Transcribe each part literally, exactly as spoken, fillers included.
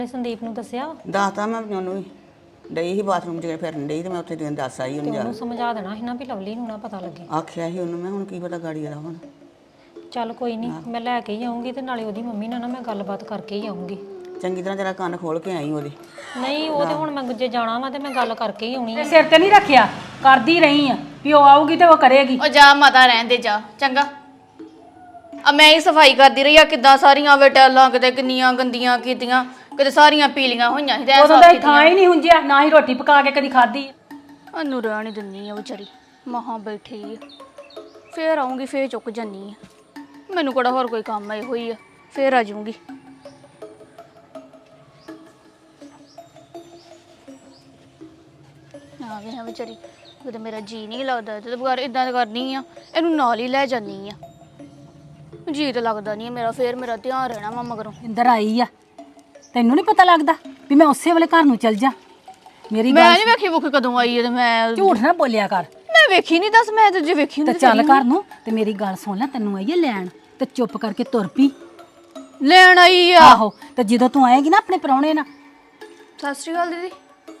ਸੰਦੀਪ ਨੂੰ ਦੱਸਿਆ ਦੱਸਤਾ ਮੈਂ ਉਹਨੂੰ ਵੀ ਡਈ ਸੀ ਬਾਥਰੂਮ 'ਚ ਫਿਰਨ ਡਈ ਤੇ ਮੈਂ ਉੱਥੇ ਦਿਨ ਦੱਸ ਆਈ ਉਹਨੂੰ ਜਾ ਉਹਨੂੰ ਸਮਝਾ ਦੇਣਾ ਸੀ ਨਾ ਵੀ ਲਵਲੀ ਨੂੰ ਨਾ ਪਤਾ ਲੱਗੇ। ਆਖਿਆ ਸੀ ਉਹਨੂੰ ਮੈਂ ਹੁਣ ਕੀ ਪਤਾ ਗਾੜੀ ਦਾ ਹੁਣ ਚੱਲ ਕੋਈ ਨਹੀਂ ਮੈਂ ਲੈ ਕੇ ਹੀ ਆਉਂਗੀ ਤੇ ਨਾਲੇ ਉਹਦੀ ਮੰਮੀ ਨਾਲ ਨਾ ਮੈਂ ਗੱਲਬਾਤ ਕਰਕੇ ਹੀ ਆਉਂਗੀ। ਚੰਗੀ ਤਰ੍ਹਾਂ ਜਰਾ ਕੰਨ ਖੋਲ ਕੇ ਆਈ ਉਹਦੇ। ਨਹੀਂ ਉਹ ਤੇ ਹੁਣ ਮੈਂ ਜੇ ਜਾਣਾ ਵਾ ਤੇ ਮੈਂ ਗੱਲ ਕਰਕੇ ਹੀ ਆਉਣੀ ਆ। ਸਿਰ ਤੇ ਨਹੀਂ ਰੱਖਿਆ ਕਰਦੀ ਰਹੀ ਆ ਵੀ ਉਹ ਆਊਗੀ ਤੇ ਉਹ ਕਰੇਗੀ। ਉਹ ਜਾ ਮਾਤਾ ਰਹਿਣ ਦੇ ਜਾ ਚੰਗਾ। ਆ ਮੈਂ ਹੀ ਸਫਾਈ ਕਰਦੀ ਰਹੀ ਆ ਕਿੱਦਾਂ ਸਾਰੀਆਂ ਵੇ ਟੈਲਾਂ ਕਿਤੇ ਕਿੰਨੀਆਂ ਗੰਦੀਆਂ ਕੀਤੀਆਂ ਕਿਤੇ ਸਾਰੀਆਂ ਪੀਲੀਆਂ ਹੋਈਆਂ ਸੀ ਤੇ ਉਦੋਂ ਦਾ ਥਾਂ ਹੀ ਨਹੀਂ ਹੁੰਜਿਆ ਨਾ ਹੀ ਰੋਟੀ ਪਕਾ ਕੇ ਕਦੀ ਖਾਧੀ। ਅਨੂੰ ਰਹਿਣ ਹੀ ਦਿੰਨੀ ਆ ਵਿਚਾਰੀ ਮਹਾਂ ਬੈਠੀ ਆ ਫੇਰ ਆਉਂਗੀ ਫੇਰ ਚੁੱਕ ਜਾਨੀ ਆ ਮੈਨੂੰ ਕਿਹੜਾ ਹੋਰ ਕੋਈ ਕੰਮ ਇਹੋ ਹੀ ਆ ਫੇਰ ਆ ਜਾਊਂਗੀ। ਆ ਗਏ ਹਾਂ ਵਿਚਾਰੀ ਕਿਤੇ ਮੇਰਾ ਜੀ ਨਹੀਂ ਲੱਗਦਾ ਤੇ ਬਗਾਰ ਇਦਾਂ ਕਰਨੀ ਆ ਇਹਨੂੰ ਨਾਲ ਹੀ ਲੈ ਜਾਨੀ ਆ ਜੀ ਤਾਂ ਲੱਗਦਾ ਨਹੀਂ ਮੇਰਾ ਫੇਰ ਮੇਰਾ ਧਿਆਨ ਰਹਿਣਾ ਵਾ ਮਗਰੋਂ। ਇੰਦਰ ਆਈ ਆ ਤੈਨੂੰ ਨਹੀਂ ਪਤਾ ਲੱਗਦਾ ਵੀ ਮੈਂ ਉਸੇ ਵੇਲੇ ਘਰ ਨੂੰ ਚਲ ਜਾ। ਮੇਰੀ ਮੈਂ ਨਹੀਂ ਵੇਖੀ ਮੁੱਖ ਕਦੋਂ ਆਈ ਹੈ ਤੇ ਮੈਂ ਝੂਠ ਨਾ ਬੋਲਿਆ ਕਰ। ਮੈਂ ਵੇਖੀ ਨਹੀਂ ਦੱਸ ਮੈਂ ਤੇ ਜੇ ਵੇਖੀ ਤੇ ਹੁੰਦੀ ਚੱਲ ਘਰ ਨੂੰ ਤੇ ਮੇਰੀ ਗੱਲ ਸੁਣ ਲੈ ਤੈਨੂੰ ਆਈ ਹੈ ਲੈਣ ਤੇ ਚੁੱਪ ਕਰਕੇ ਤੁਰ ਪਈ। ਲੈਣ ਆਈ ਆ ਆਹੋ ਤੇ ਜਦੋਂ ਤੂੰ ਆਏਗੀ ਨਾ ਆਪਣੇ ਪ੍ਰਾਹੁਣੇ ਨਾਲ। ਸਤਿ ਸ਼੍ਰੀ ਅਕਾਲ ਦੀਦੀ।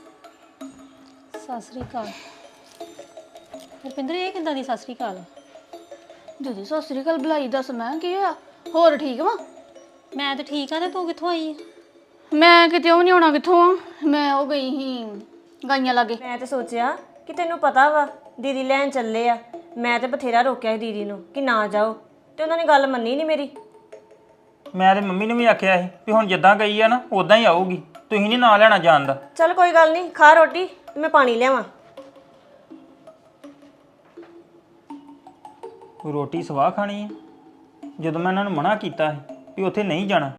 ਸਤਿ ਸ੍ਰੀ ਅਕਾਲ। ਰੁਪਿੰਦਰ ਇਹ ਕਿੱਦਾਂ ਦੀ ਸਤਿ ਸ੍ਰੀ ਅਕਾਲ? ਦੀਦੀ ਸਤਿ ਸ਼੍ਰੀ ਅਕਾਲ ਬੁਲਾਈ ਦੱਸ ਮੈਂ ਕੀ ਹੋਇਆ ਹੋਰ ਠੀਕ ਵਾ? ਮੈਂ ਤਾਂ ਠੀਕ ਆ ਤੇ ਤੂੰ ਕਿੱਥੋਂ ਆਈ? ਮੈਂ ਕਿਤੇ ਉਹ ਨਹੀਂ ਆਉਣਾ ਕਿੱਥੋਂ ਆ ਮੈਂ ਉਹ ਗਈ ਸੀ ਗਾਈਆਂ ਲਾਗੇ। ਮੈਂ ਤਾਂ ਸੋਚਿਆ ਕਿ ਤੈਨੂੰ ਪਤਾ ਵਾ ਦੀਦੀ ਲੈਣ ਚੱਲੇ ਆ। ਮੈਂ ਤੇ ਬਥੇਰਾ ਰੋਕਿਆ ਸੀ ਦੀਦੀ ਨੂੰ ਕਿ ਨਾ ਜਾਓ ਤੇ ਉਹਨਾਂ ਨੇ ਗੱਲ ਮੰਨੀ ਨਹੀਂ ਮੇਰੀ। ਮੈਂ ਤੇ ਮੰਮੀ ਨੂੰ ਵੀ ਆਖਿਆ ਸੀ ਵੀ ਹੁਣ ਜਿੱਦਾਂ ਗਈ ਆ ਨਾ ਉਦਾਂ ਹੀ ਆਊਗੀ ਤੁਸੀਂ ਨਹੀਂ ਨਾਂ ਲੈਣਾ ਜਾਣ ਦਾ। ਚੱਲ ਕੋਈ ਗੱਲ ਨਹੀਂ ਖਾ ਰੋਟੀ ਤੇ ਮੈਂ ਪਾਣੀ ਲਿਆਵਾਂ। ਰੋਟੀ ਸਵਾਹ ਖਾਣੀ ਹੈ ਜਦੋਂ ਮੈਂ ਇਹਨਾਂ ਨੂੰ ਮਨਾ ਕੀਤਾ ਸੀ ਵੀ ਉੱਥੇ ਨਹੀਂ ਜਾਣਾ